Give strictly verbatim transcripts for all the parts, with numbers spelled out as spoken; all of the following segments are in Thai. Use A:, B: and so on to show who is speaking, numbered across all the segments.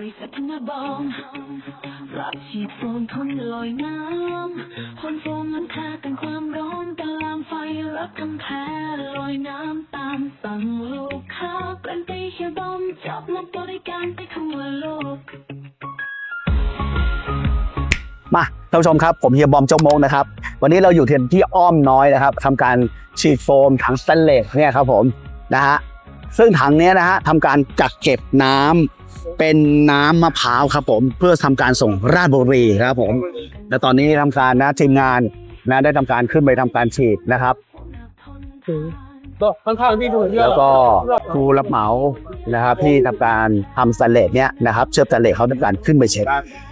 A: ษัทนาบอมรับฉีดโฟมทนลอยน้ำพ่นโฟมมันค่ากันความร้อนกันลามไฟรับกำแพงลอยน้ำตามสั่งลูกค้ากันไปเฮียบอมจับมาบริการไปทั่วโลก
B: มาท่านผู้ชมครับผมเฮียบอมเจ้าโมงนะครับวันนี้เราอยู่ที่อ้อมน้อยนะครับทำการฉีดโฟมถังสแตนเลสเนี่ยครับผมนะฮะซึ่งถังนี้นะฮะทำการกักเก็บน้ำเป็นน้ำมะพร้าวครับผมเพื่อทำการส่งราชบุรีครับผมและตอนนี้ทำการนะทีมงานนะได้ทำการขึ้นไปทำการฉีดนะครับ
C: ข้างๆพี่ถูก
B: แล้วก็ผู้รับเหมานะครับที่ทำการทำสแตนเลสเนี่ยนะครับเชื่อมสแตนเลสเขาทำการขึ้นไปเช็ค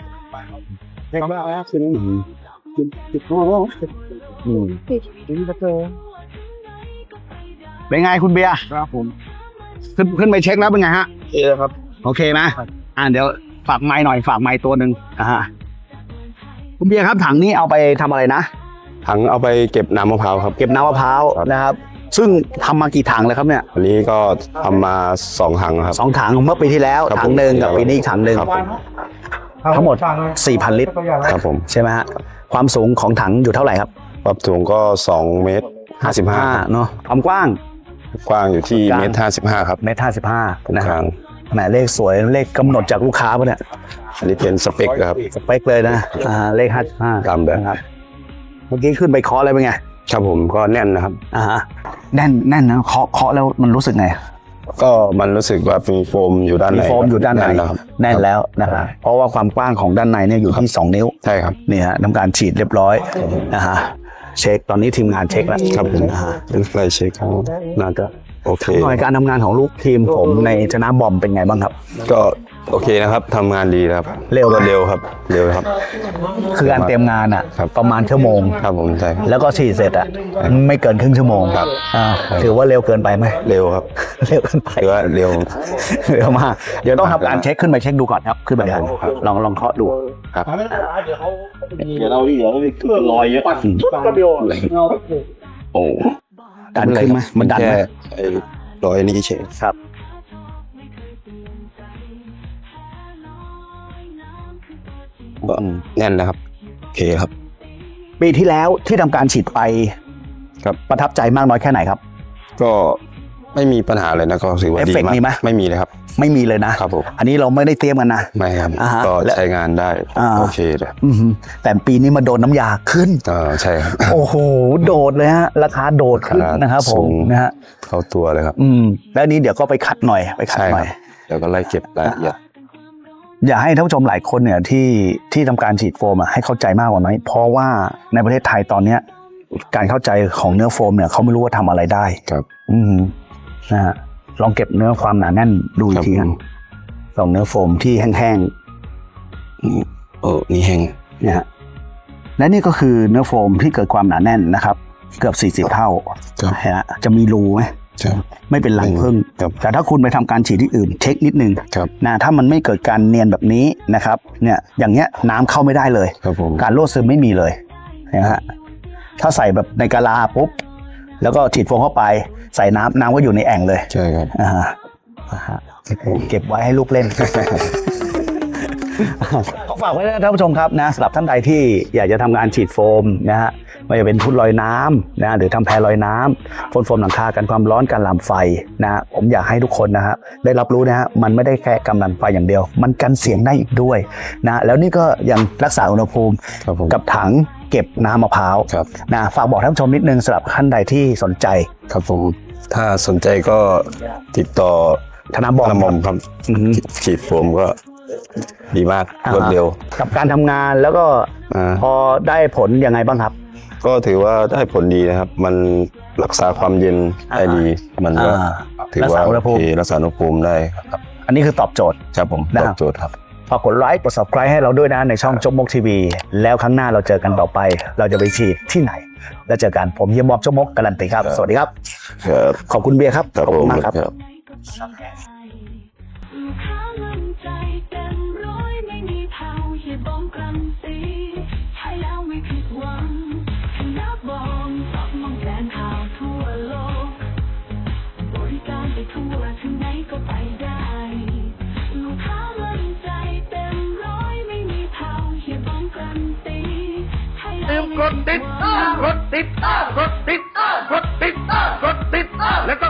B: เป็นไงคุณเบียร์ครับผมขึ้นขึ้นไปเช็คแล้วเป็นไงฮะโอเคครับโอเคไหมอ่าเดี๋ยวฝากไม้หน่อยฝากไม้ตัวหนึ่งอ่าคุณเบียร์ครับถังนี้เอาไปทำอะไรนะ
D: ถังเอาไปเก็บน้ำมะพร้าวครับ
B: เก็บน้ำมะพร้าวนะครับซึ่งทำมากี่ถังเลยครับเนี่ย
D: วันนี้ก็ทำมาสองถังครับ
B: สองถังเมื่อปีที่แล้วถังหนึ่งกับปีนี้อีกถังหนึ่งทั้งหมด สี่พัน ลิตร
D: ครับผม
B: ใช่ไหมฮะความสูงของถังอยู่เท่าไหร่ครับ
D: ความสูงก็สองเมตรห้าสิบห้า
B: เนาะความกว้าง
D: กว้างอยู่ที่เมตรห้าสิบห้าครับ
B: เมตรห้าสิบห้านะครับแหมเลขสวยเลขกำหนดจากลูกค้าป่ะเนี่ย
D: อันนี้เป็นสเปคครับ
B: สเปคเลยนะอ่าเลขห้าสิบห้า
D: ตามแบบ
B: ครับเมื่อกี้ขึ้นไปเคาะอะไรเป็นไง
D: ครับผมก็แน่นนะครับ
B: อ่าฮะแน่นแน่นนะเคาะเคาะแล้วมันรู้สึกไง
D: ก็มันรู้สึกว่ามีโฟมอยู่ด้านใน
B: มีโฟมอยู่ด้านในแน่นแล้วนะครับเพราะว่าความกว้างของด้านในเนี่ยอยู่ที่สองนิ้ว
D: ใช่ครับ
B: นี่ฮะทำการฉีดเรียบร้อยนะฮะเช็คตอนนี้ทีมงานเช็คแล้ว
D: ครับผมเป็นไฟเช็คครับน่าจะโอเค
B: หน่วยการทำงานของลูกทีมผมในชนะบอมเป็นไงบ้างครับ
D: ก็โอเคนะครับทำงานดีครับ
B: เร็ว
D: เร็วครับเร็วครับ
B: คือการเตรียมงานอ่ะประมาณชั่วโมง
D: ครับผมใช่
B: แล้วก็ฉีดเสร็จอ่ะไม่เกินครึ่งชั่วโมง
D: ครับ
B: ถือว่าเร็วเกินไปไหม
D: เร็วครับ
B: เร็วเกินไป
D: ถือว่าเร็ว
B: เร็วมากเดี๋ยวต้องทำการเช็คขึ้นไปเช็คดูก่อนครับขึ้นไปดูลองลองเคาะดู
D: ครับ
C: เดี๋ยวเราเดี๋ยวเราเครื่องลอยเยอะก็เดียว
D: โอ้
B: ดันขึ้นไหมมันดันไหม
D: ไอ้ลอยนี่เฉย
B: ครับ
D: ก็แน่นนะครับโอเคครับ
B: ปีที่แล้วที่ทำการฉีดไป
D: ครับ
B: ประทับใจมากน้อยแค่ไหนครับ
D: ก็ไม่มีปัญหาเลยนะก็ถือว่าดีมาก
B: มีไหม
D: ไม่มีเลยครับ
B: ไม่มีเลยนะครับ
D: ผม
B: อันนี้เราไม่ได้เตรียมกันนะ
D: ไม่ครับก็ใช้งานได้โอเคเลย
B: แต่ปีนี้มาโดนน้ำยาขึ้น
D: อ่าใช่ครับ
B: โอ้โหโดดเลยฮะราคาโดดขึ้นนะครับผมนะฮะ
D: เข้าตัวเลยครับ
B: อืมแล้วนี้เดี๋ยวก็ไปคัดหน่อยไปคัดหน่อย
D: เดี๋ยวก็ไล่เก็บรายละเอียด
B: อย่าให้ท่านผู้ชมหลายคนเนี่ยที่ที่ทำการฉีดโฟมอ่ะให้เข้าใจมากกว่าน้อยเพราะว่าในประเทศไทยตอนเนี้ยการเข้าใจของเนื้อโฟมเนี่ยเขาไม่รู้ว่าทำอะไรได้
D: ครับ
B: อืมนะฮะลองเก็บเนื้อความหนาแน่นดูอีกทีกันลองเนื้อโฟมที่แห้ง
D: ๆเออนี่แห้ง
B: นะฮะและนี่ก็คือเนื้อโฟมที่เกิดความหนาแน่นนะครับเกือบสี่สิบเท่าฮะจะมีรูไหมไม่เป็นรังผึ้งแต่ถ้าคุณไปทำการฉีดที่อื่นเช็คนิดนึงนะถ้ามันไม่เกิดการเนียนแบบนี้นะครับเนี่ยอย่างเงี้ยน้ำเข้าไม่ได้เลยการรั่วซึมไม่มีเลยนะฮะถ้าใส่แบบในกะลาปุ๊บแล้วก็ฉีดโฟมเข้าไปใส่น้ำน้ำก็อยู่ในแอ่งเลย
D: ใช่ครับ
B: อ่าเก็บไว้ให้ลูกเล่นขอฝากไว้นะท่านผู้ชมครับนะสำหรับท่านใดที่อยากจะทำงานฉีดโฟมนะฮะไม่ว่าจะเป็นทุ่นลอยน้ำนะหรือทำแพลอยน้ำพ่นโฟมหลังคากันความร้อนกันลามไฟนะผมอยากให้ทุกคนนะฮะได้รับรู้นะฮะมันไม่ได้แค่กำลังไฟอย่างเดียวมันกันเสียงได้อีกด้วยนะแล้วนี่ก็ยังรักษาอุณหภูมิกับถังเก็บน้ำมะพร้าวนะฝากบอกท่านผู้ชมนิดนึงสำหรับท่านใดที่สนใจ
D: ครับผมถ้าสนใจก็ติดต่อ
B: ธนบอม
D: ครับฉีดโฟมก็ดีมากรวดเร็ว
B: กับการทำงานแล้วก็พอได้ผลยังไงบ้างครับ
D: ก็ถือว่าได้ผลดีนะครับมันรักษาความเย็นได้ดีมันก็ถือว่าโอเครักษาอุณหภูมิได้ครับ
B: อันนี้คือตอบโจทย์
D: ครับผมตอบโจทย์ครับ
B: ฝากกดไลค์กด ซับสไครบ์ ให้เราด้วยนะในช่องจกมกทีวีแล้วครั้งหน้าเราเจอกันต่อไปเราจะไปฉีดที่ไหนแล้วเจอกันผมเฮียบอมจกมกการันตีครับสวัสดีครับขอบคุณเบียร์ครับ
D: ขอบคุณมากครับ
A: ทั่วถึงไหนก็ไปได้ลูกค้ามั่นใจ
E: กดติดกดติดกดติดกดติดกดติดแล้วก็